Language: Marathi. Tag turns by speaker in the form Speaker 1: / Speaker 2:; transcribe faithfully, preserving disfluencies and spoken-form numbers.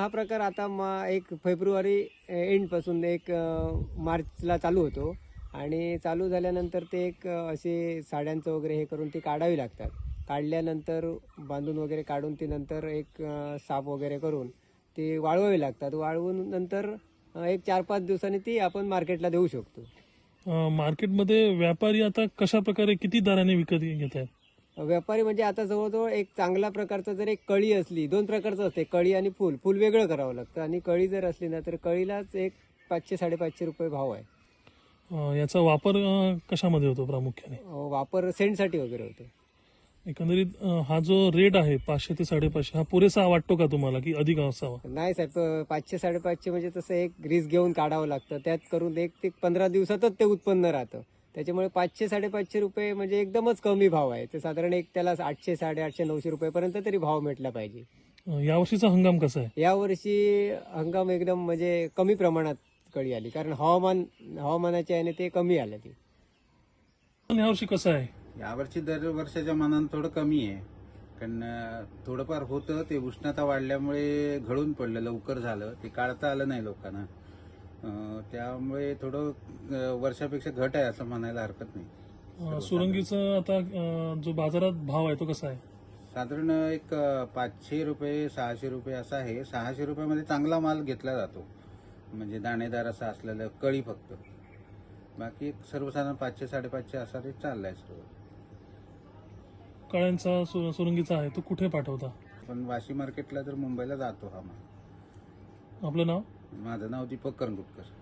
Speaker 1: हा प्रकार आता मा एक फेब्रुवारी एंडपासून एक अ, मार्चला चालू होतो आणि चालू झाल्यानंतर ते एक अ, असे साड्यांचं वगैरे हे करून ती काढावी लागतात. काढल्यानंतर बांधून वगैरे काढून ती नंतर एक अ, साफ वगैरे करून ती वाळवावी लागतात. वाळवून नंतर अ, एक चार पाच दिवसांनी ती आपण मार्केटला देऊ शकतो.
Speaker 2: अ, मार्केटमध्ये व्यापारी आता कशा प्रकारे किती दराने विकत घेत आहेत?
Speaker 1: व्यापारी म्हणजे आता जवळजवळ एक चांगल्या प्रकारचं जर एक कळी असली, दोन प्रकारचं असते, कळी आणि फुल. फुल वेगळं करावं लागतं आणि कळी जर असली ना तर कळीलाच एक पाचशे साडेपाचशे रुपये भाव आहे.
Speaker 2: अ, याचा वापर अ, कशामध्ये होतो प्रामुख्याने?
Speaker 1: अ, वापर सेंटसाठी वगैरे होतो.
Speaker 2: एकंदरीत अ, हा जो रेट आहे पाचशे ते साडेपाचशे हा पुरेसा वाटतो का तुम्हाला की अधिक असावा?
Speaker 1: नाही साहेब, अ, पाचशे साडेपाचशे म्हणजे तसं एक रिस्क घेऊन काढावं लागतं. त्यात करून एक ते पंधरा दिवसातच ते उत्पन्न राहतं. त्याच्यामुळे पाचशे साडेपाचशे रुपये म्हणजे एकदमच कमी भाव आहे. ते साधारण एक त्याला आठशे साडेआठशे नऊशे रुपयेपर्यंत तरी भाव भेटला पाहिजे.
Speaker 2: अ, यावर्षीचा हंगाम कसा आहे?
Speaker 1: यावर्षी हंगाम एकदम म्हणजे कमी प्रमाणात कळी आली, कारण हवामान हवामानाच्या याने ते कमी आलं ती.
Speaker 2: पण यावर्षी कसं आहे?
Speaker 3: यावर्षी दरवर्षाच्या मानानं थोडं कमी आहे. कारण अं, थोडंफार होतं ते उष्णता वाढल्यामुळे घडून पडलं, लवकर झालं, ते काढता आलं नाही लोकांना. अं, त्यामुळे थोडं अं, वर्षापेक्षा घट आहे असं म्हणायला हरकत नाही.
Speaker 2: अ, सुरंगीचा आता अ, जो बाजारात भाव आहे तो कसा आहे?
Speaker 3: साधारण एक अं, पाचशे रुपये सहाशे रुपये असा आहे. सहाशे रुपयामध्ये चांगला माल घेतला जातो, म्हणजे दाणेदार असा असलेलं कळी फक्त. बाकी एक सर्वसाधारण पाचशे साडेपाचशे असा रेट चाललाय सर्व.
Speaker 2: कळ्यांचा सु- सुरंगीचा आहे तो कुठे पाठवता?
Speaker 3: पण वाशी मार्केटला तर मुंबईला जातो हा माल.
Speaker 2: आपलं नाव?
Speaker 3: माझं नाव दीपक करंगुटकर.